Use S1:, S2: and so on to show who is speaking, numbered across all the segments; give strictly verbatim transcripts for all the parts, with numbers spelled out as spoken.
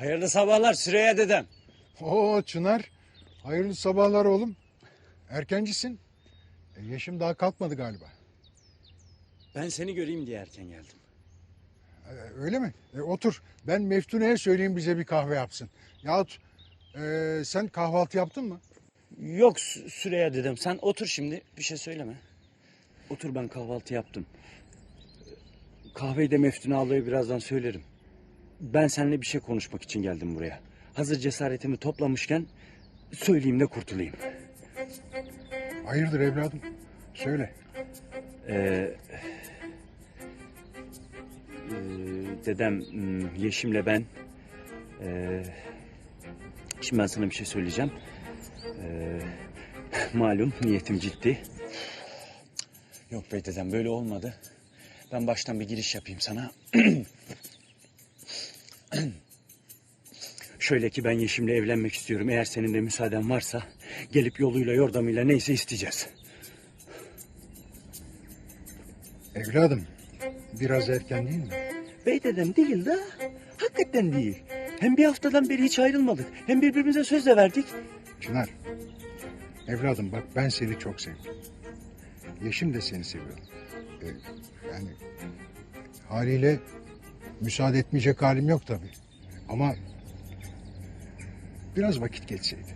S1: Hayırlı sabahlar Süreyya dedem.
S2: Oo Çınar, hayırlı sabahlar oğlum. Erkencisin. E, yaşım daha kalkmadı galiba.
S1: Ben seni göreyim diye erken geldim.
S2: E, öyle mi? E, otur. Ben Meftune'ye söyleyeyim bize bir kahve yapsın. Yahut e, sen kahvaltı yaptın mı?
S1: Yok Sü- Süreyya dedem, sen otur şimdi, bir şey söyleme. Otur, ben kahvaltı yaptım. Kahveyi de Meftune ablaya birazdan söylerim. Ben seninle bir şey konuşmak için geldim buraya. Hazır cesaretimi toplamışken söyleyeyim de kurtulayım.
S2: Hayırdır evladım? Söyle.
S1: Ee, e, dedem, hmm, Yeşim'le ben... e, şimdi ben sana bir şey söyleyeceğim. Ee, malum niyetim ciddi. Yok be dedem, böyle olmadı. Ben baştan bir giriş yapayım sana. Şöyle ki, ben Yeşim'le evlenmek istiyorum. Eğer senin de müsaaden varsa gelip yoluyla yordamıyla neyse isteyeceğiz.
S2: Evladım, biraz erken değil mi?
S1: Bey dedem, değil de hakikaten değil. Hem bir haftadan beri hiç ayrılmadık. Hem birbirimize söz de verdik.
S2: Çınar, evladım bak ben seni çok sevdim. Yeşim de seni seviyor. E, yani haliyle müsaade etmeyecek halim yok tabii. Ama biraz vakit geçseydi.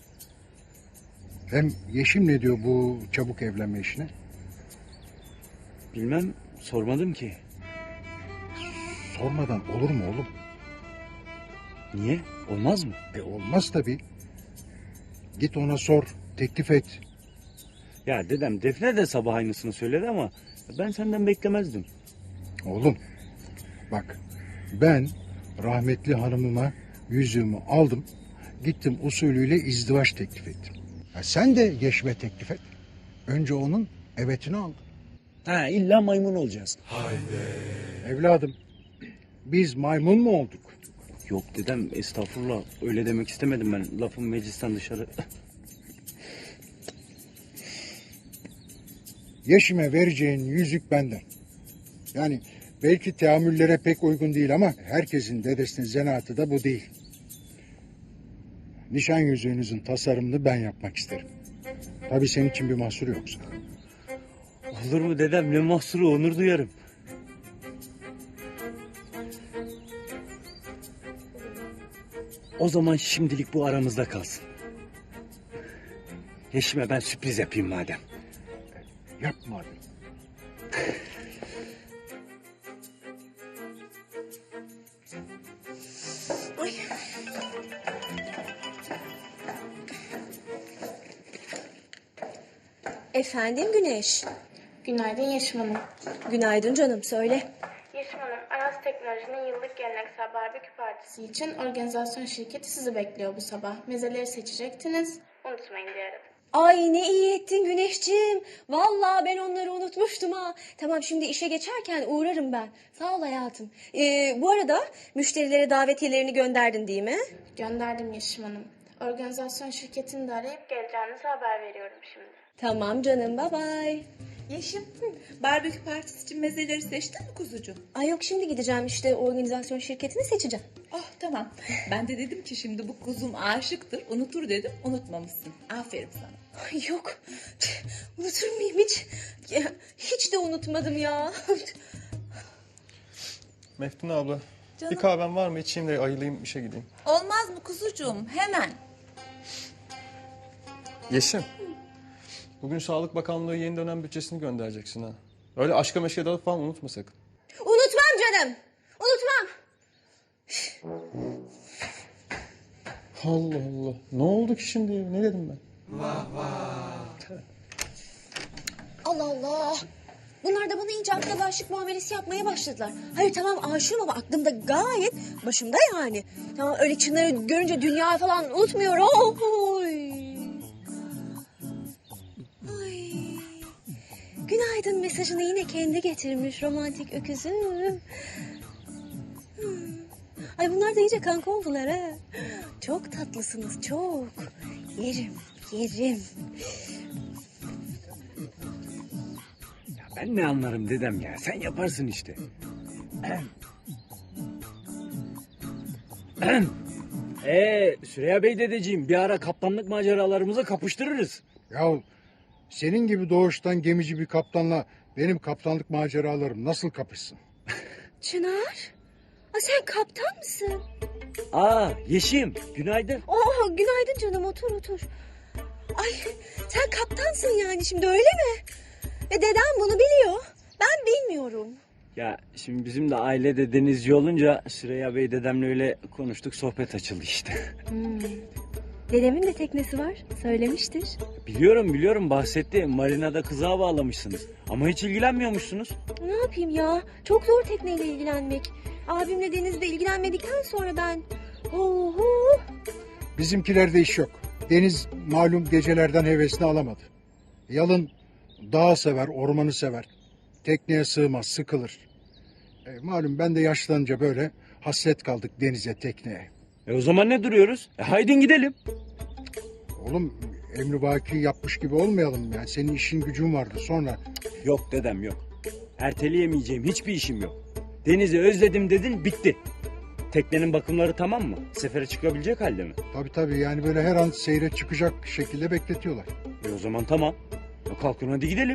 S2: Hem Yeşim ne diyor bu çabuk evlenme işine?
S1: Bilmem, sormadım ki.
S2: Sormadan olur mu oğlum?
S1: Niye? Olmaz mı?
S2: E olmaz tabii. Git ona sor, teklif et.
S1: Ya dedem, Defne de sabah aynısını söyledi ama ben senden beklemezdim.
S2: Oğlum bak ben rahmetli hanımıma yüzüğümü aldım. Gittim usulüyle izdivaç teklif ettim. Ha, sen de Yeşim'e teklif et. Önce onun evetini al.
S1: Ha, illa maymun olacağız.
S2: Evladım biz maymun mu olduk?
S1: Yok dedem, estağfurullah, öyle demek istemedim ben. Lafım meclisten dışarı.
S2: Yeşim'e vereceğin yüzük benden. Yani belki teamüllere pek uygun değil ama herkesin dedesinin zanaatı da bu değil. Nişan yüzüğünüzün tasarımını ben yapmak isterim. Tabii senin için bir mahsur yoksa.
S1: Olur mu dedem, ne mahsuru, onur duyarım. O zaman şimdilik bu aramızda kalsın. Yeşim'e ben sürpriz yapayım madem.
S2: Yapma abi.
S3: Ay. Efendim Güneş.
S4: Günaydın Yeşim Hanım.
S3: Günaydın canım, söyle.
S4: Yeşim Hanım, Aras Teknoloji'nin yıllık geleneksel barbekü partisi için organizasyon şirketi sizi bekliyor bu sabah. Mezeleri seçecektiniz. Unutmayın diye aradım.
S3: Ay ne iyi ettin Güneşciğim. Vallahi ben onları unutmuştum ha. Tamam, şimdi işe geçerken uğrarım ben. Sağ ol hayatım. Ee, bu arada müşterilere davetiyelerini gönderdin değil mi?
S4: Gönderdim Yeşim Hanım. Organizasyon şirketini de arayıp geleceğinizi haber veriyorum şimdi.
S3: Tamam canım, bye bye.
S5: Yeşim, barbekü partisi için mezeleri seçtin mi kuzucuğum?
S3: Ay yok, şimdi gideceğim işte organizasyon şirketini seçeceğim.
S5: Oh tamam. Ben de dedim ki şimdi bu kuzum aşıktır, unutur dedim, unutmamışsın. Aferin sana.
S3: Ay yok, unutur muyum hiç? Ya, hiç de unutmadım ya.
S6: Meftun abla,
S5: Canım.
S6: bir kahven var mı? İçeyim de ayılayım, işe gideyim.
S5: Olmaz mı kuzucuğum? Hemen.
S6: Yeşim, bugün Sağlık Bakanlığı yeni dönem bütçesini göndereceksin ha. Öyle aşka meşke dalıp falan unutma sakın.
S3: Unutmam canım, unutmam.
S6: Allah Allah, ne oldu ki şimdi? Ne dedim ben?
S3: Allah Allah. Bunlar da bana iyice akla aşık muamelesi yapmaya başladılar. Hayır tamam, aşığım ama aklımda gayet başımda yani. Tamam, öyle Çınar'ı görünce dünya falan unutmuyorum. Oy. Ay. Günaydın mesajını yine kendi getirmiş romantik öküzüm. Hmm. Ay bunlar da iyice kanka oldular ha. Çok tatlısınız, çok. Yerim, yerim.
S1: Ben ne anlarım dedem ya, sen yaparsın işte. Ee, Süreyya Bey dedeciğim bir ara kaptanlık maceralarımıza kapıştırırız.
S2: Ya senin gibi doğuştan gemici bir kaptanla benim kaptanlık maceralarım nasıl kapışsın?
S3: Çınar. Aa, sen kaptan mısın?
S1: Aa Yeşim günaydın.
S3: Oo, günaydın canım, otur otur. Ay, sen kaptansın yani şimdi, öyle mi? Ve dedem bunu biliyor. Ben bilmiyorum.
S1: Ya şimdi bizim de ailede denizci olunca Süreyya Bey dedemle öyle konuştuk, sohbet açıldı işte.
S3: Hmm. Dedemin de teknesi var. Söylemiştir.
S1: Biliyorum biliyorum bahsetti. Marinada kızağa bağlamışsınız. Ama hiç ilgilenmiyormuşsunuz.
S3: Ne yapayım ya? Çok zor tekneyle ilgilenmek. Abimle denizde ilgilenmedikten sonra ben... Oho!
S2: Bizimkilerde iş yok. Deniz malum gecelerden hevesini alamadı. Yalın dağı sever, ormanı sever. Tekneye sığmaz, sıkılır. E, malum ben de yaşlanınca böyle hasret kaldık denize, tekneye.
S1: E o zaman ne duruyoruz? E haydi gidelim.
S2: Oğlum emrivaki yapmış gibi olmayalım yani. Senin işin gücün vardı sonra.
S1: Yok dedem yok. Erteleyemeyeceğim hiçbir işim yok. Denizi özledim dedin, bitti. Teknenin bakımları tamam mı? Sefere çıkabilecek halde mi?
S2: Tabii tabii yani böyle her an seyre çıkacak şekilde bekletiyorlar.
S1: E o zaman tamam. E kalkın hadi gidelim.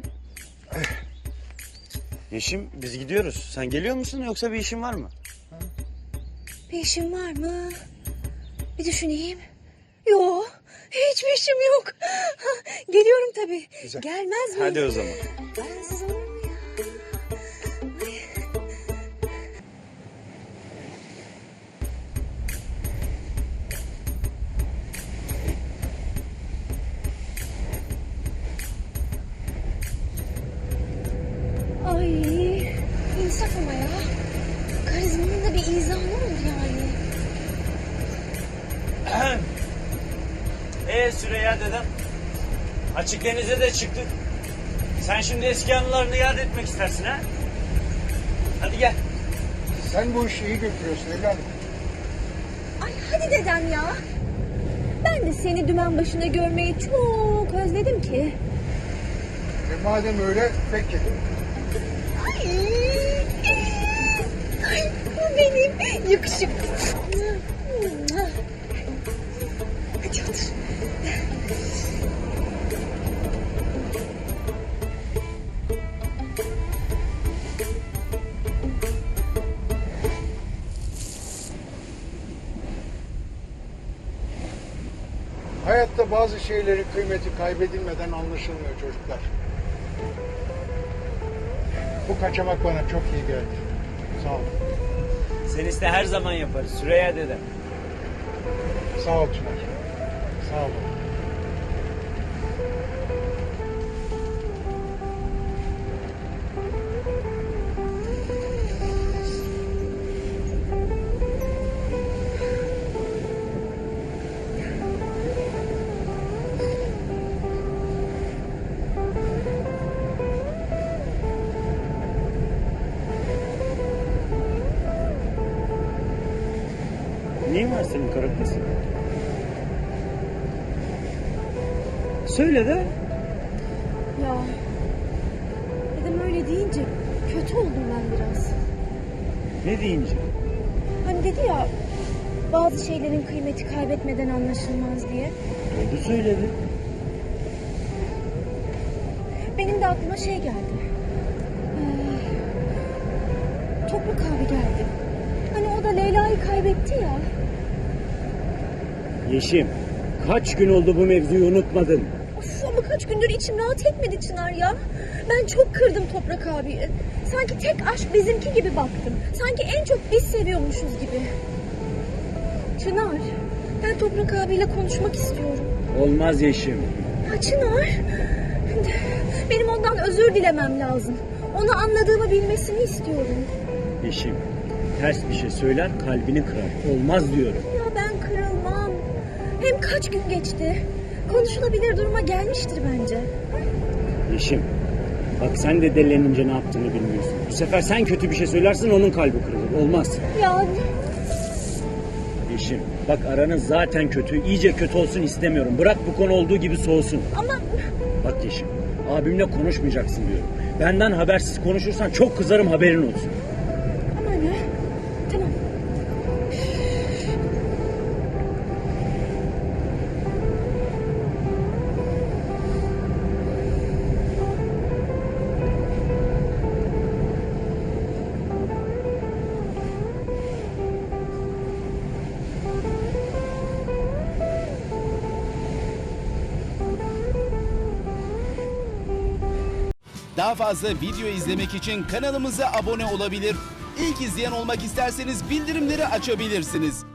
S1: Yeşim biz gidiyoruz. Sen geliyor musun yoksa bir işin var mı?
S3: Bir işim var mı? Bir düşüneyim. Yok. Hiçbir işim yok. Geliyorum tabii.
S2: Güzel.
S3: Gelmez miyim?
S1: Hadi o zaman.
S3: Bensiz olur mu ya? Ay. Ay, insaf ama ya. Karizmanın da bir izahı olur yani.
S1: Ee Süreyya dedem. Açık denize de çıktık. Sen şimdi eski anılarını yad etmek istersin ha? Hadi gel.
S2: Sen bu işi iyi götürüyorsun evladım.
S3: Ay hadi dedem ya. Ben de seni dümen başında görmeyi çok özledim ki.
S2: E madem öyle peki.
S3: Ay, ay bu benim yakışıklı. Hadi otur.
S2: Hayatta bazı şeylerin kıymeti kaybedilmeden anlaşılmıyor çocuklar. Bu kaçamak bana çok iyi geldi. Sağ ol.
S1: Sen iste her zaman yaparız Süreyya dedem.
S2: Sağ ol Çınar. Sağ ol.
S1: Neyin var senin kara kız? Söyle de.
S3: Ya dedem öyle deyince kötü oldum ben biraz.
S1: Ne deyince?
S3: Hani dedi ya, bazı şeylerin kıymeti kaybetmeden anlaşılmaz diye.
S1: Oldu söyledi.
S3: Benim de aklıma şey geldi. Ee, Toprak abi geldi. Hani o da Leyla'yı kaybetti ya.
S1: Yeşim kaç gün oldu bu mevzuyu unutmadın.
S3: Of, ama kaç gündür içim rahat etmedi Çınar ya. Ben çok kırdım Toprak abiyi. Sanki tek aşk bizimki gibi baktım. Sanki en çok biz seviyormuşuz gibi. Çınar, ben Toprak abiyle konuşmak istiyorum.
S1: Olmaz Yeşim.
S3: Ya Çınar, benim ondan özür dilemem lazım. Onu anladığımı bilmesini istiyorum.
S1: Yeşim ters bir şey söyler kalbini kırar. Olmaz diyorum.
S3: Ya ben kırılmam. Hem kaç gün geçti. Konuşulabilir duruma gelmiştir bence.
S1: Yeşim bak sen de delilenince ne yaptığını bilmiyorsun. Bu sefer sen kötü bir şey söylersin onun kalbi kırılır. Olmaz.
S3: Ya
S1: Yeşim bak aranız zaten kötü. İyice kötü olsun istemiyorum. Bırak bu konu olduğu gibi soğusun.
S3: ama
S1: Bak Yeşim abimle konuşmayacaksın diyorum. Benden habersiz konuşursan çok kızarım haberin olsun.
S3: ama ne? Tamam.
S7: Daha fazla video izlemek için kanalımıza abone olabilir. İlk izleyen olmak isterseniz bildirimleri açabilirsiniz.